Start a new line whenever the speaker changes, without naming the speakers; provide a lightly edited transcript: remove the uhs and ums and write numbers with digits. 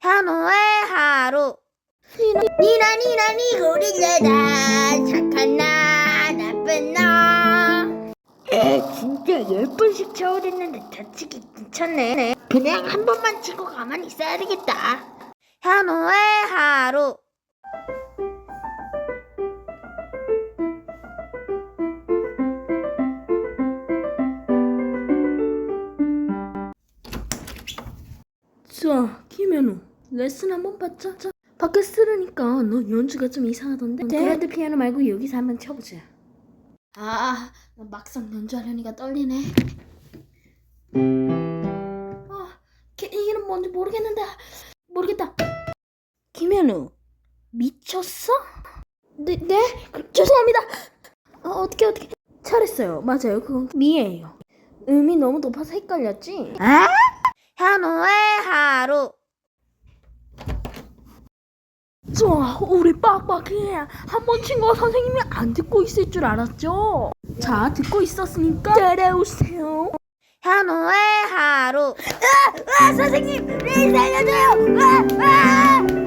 현우의 하루. 니나 고릴라다. 착한 나 나쁜 나. 진짜 10번씩 쳐오랬는데 다치기 괜찮네. 그냥 한 번만 치고 가만히 있어야 되겠다. 현우의 하루.
자, 김현우, 레슨 한번 받자. 자, 밖에서 들으니까 너 연주가 좀 이상하던데? 그랜드 피아노 말고 여기서 한번 쳐보자. 나 막상 연주하려니까 떨리네. 이름 뭔지 모르겠다. 김현우, 미쳤어? 네? 죄송합니다. 어떻게 잘했어요. 맞아요, 그건 미예요. 음이 너무 높아서 헷갈렸지?
현우의 하루.
좋아, 우리 빡빡해. 한 번 친 거 선생님이 안 듣고 있을 줄 알았죠? 자, 듣고 있었으니까 따라오세요.
현우의 하루. 선생님, 살려줘요.